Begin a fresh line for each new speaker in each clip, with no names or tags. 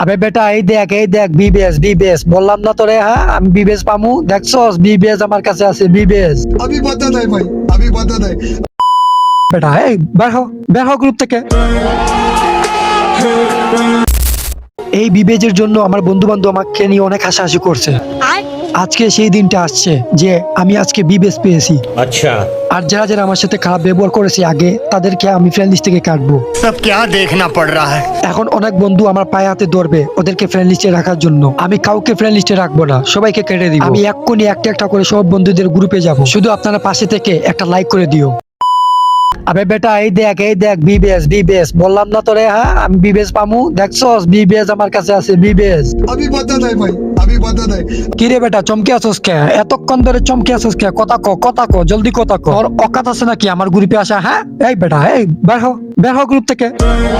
আবে বেটা এই দেখ বিবেস বললাম না তোরে, হ্যাঁ আমি বিবেস পামু, দেখছস বিবেস আমার কাছে আছে বিবেস।
अभी पता नहीं भाई, अभी पता नहीं।
বেটা এই বের হও গ্রুপ থেকে। এই বিবেজের জন্য আমার বন্ধু বান্ধব আমাকে নিয়ে অনেক হাসাহাসি করছে। আজকে সেই দিনটা আসছে যে আমি আজকে বিবেস পেয়েছি।
अच्छा
আর যারা যারা আমার সাথে খারাপ ব্যবহার করেছে আগে, তাদেরকে আমি ফ্রেন্ড লিস্ট থেকে কাটবো।
सब क्या देखना पड़ रहा है।
এখন অনেক বন্ধু আমার পায়ে হাতে ধরবে ওদেরকে ফ্রেন্ড লিস্টে রাখার জন্য। আমি কাউকে ফ্রেন্ড লিস্টে রাখবো না, সবাইকে কেটে দিব। আমি এক্ষুনি একটা একটা করে সব বন্ধুদের গ্রুপে যাব, শুধু আপনারা পাশে থেকে একটা লাইক করে দিও। আবে বেটা এই দেখ বিবেস বললাম না তোরে, হ্যাঁ আমি বিবেস পামু, দেখছস বিবেস আমার কাছে আছে বিবেস।
अभी पता नहीं भाई, अभी पता नहीं।
কিরে বেটা চমকে আছস কে? এতক্ষণ ধরে চমকে আছস কে? কথা ক জলদি কথা ক। তোর অকাত আছে নাকি আমার গ্রুপে আসা? হ্যাঁ এই বেটা এই বের হ গ্রুপ থেকে।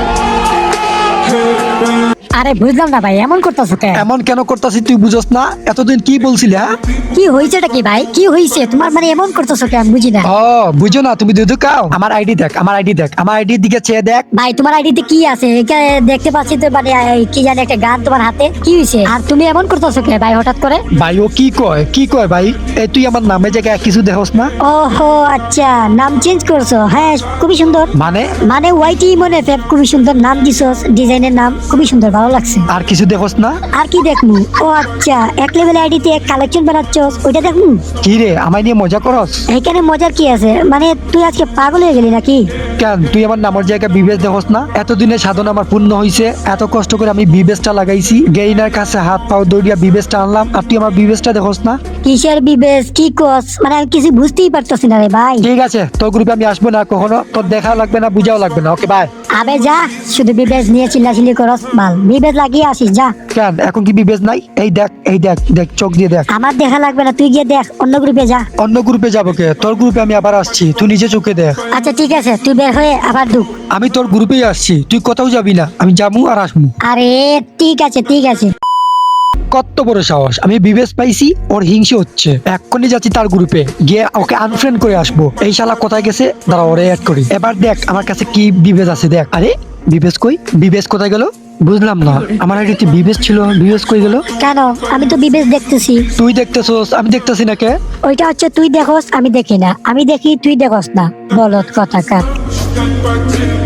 আরে বুঝলাম না ভাই, এমন করতেছো কেন?
এমন কেন করতাছি তুই বুঝস না? এতদিন কি বলছিলি? হ্যাঁ
কি হয়েছেটা কি ভাই, কি হয়েছে তোমার? মানে এমন করতেছো কেন বুঝি না।
ও বুঝো না তুমি? দুধু খাও? আমার আইডি দেখ, আমার আইডির দিকে চেয়ে দেখ।
ভাই তোমার আইডিতে কি আছে? এখানে দেখতে পাচ্ছি তো মানে কি জানি একটা গান তোমার হাতে, কি হয়েছে? আর তুমি এমন করতেছো কেন ভাই হঠাৎ করে?
ভাই ও কি কয় ভাই? এই তুই আমার নামে জায়গায় কিছু দেখোস না?
ওহো আচ্ছা, নাম চেঞ্জ করছো? হ্যাঁ খুবই সুন্দর।
মানে
ওয়াইটি মনে ফেব, খুবই সুন্দর নাম দিছস, ডিজাইনের নাম খুবই সুন্দর, ভালো লাগছে।
আর কিছু দেখোস না?
আর কি দেখমু? ও আচ্ছা, এক লেভেল আইডিতে এক কালেকশন বানাচ্ছস, ওইটা দেখমু?
কি রে আমায় নিয়ে মজা করস?
এখানে মজার কি আছে? মানে তুই আজকে পাগল হয়ে গেলি নাকি?
কেন তুই আমার নামের জায়গায় বিবেস দেখোস না? এতদিনের সাধনা আমার পূর্ণ হয়েছে, এত কষ্ট করে আমি বিবেসটা লাগাইছি, গেইনার কাছে হাত পাও দৌড়িয়া বিবেসটা আনলাম, আর তুই আমার বিবেসটা দেখোস না?
কিসের বিবেশ, কি কস? মানে আমি কিছু বুঝতেই পারতেছি না রে ভাই।
ঠিক আছে, তোর গ্রুপে আমি আসবো না কখনো, তোর দেখা লাগবে না, বুঝাও লাগবে না। Okay bye.
আবে যা, শুধু বিবেশ নিয়ে চিল্লাচিল্লি করস, মাল বিবেশ লাগিয়ে আসিস যা।
কেন এখন কি বিবেস নাই? এই দেখ চোখ দিয়ে দেখ।
আমার দেখা লাগবে না, তুই গিয়ে দেখ, অন্য গ্রুপে যা।
অন্য গ্রুপে যাবো কে? তোর গ্রুপে আমি আবার আসছি, তুই নিজে চোখে দেখ।
আচ্ছা ঠিক আছে, তুই বের হয়ে আবার ঢুক।
আমি তোর গ্রুপেই আসছি, তুই কোথাও যাবি না, আমি যাবো আর আসবো।
আরে ঠিক আছে।
কত বড় সাহস! আমি বিবেস পাইছি, ওর হিংসে হচ্ছে, এক্ষুনি যাচ্ছি তার গ্রুপে গিয়ে ওকে আনফ্রেন্ড করে আসবো। এই শালা কোথায় গেছে? দাঁড়া ওরে অ্যাড করি। এবার দেখ আমার কাছে কি বিবেস আছে, দেখ। আরে বিবেস কই? বিবেস কোথায় গেল? বুঝলাম না, আমার আইডিতে বিবেস ছিল, বিবেস কই গেল?
কেন? আমি তো বিবেশ দেখতেছি।
তুই দেখতেছস, আমি দেখতেছি না কে?
ওইটা হচ্ছে তুই দেখোস, আমি দেখি না। আমি দেখি, তুই দেখোস না, বলত কথাকার।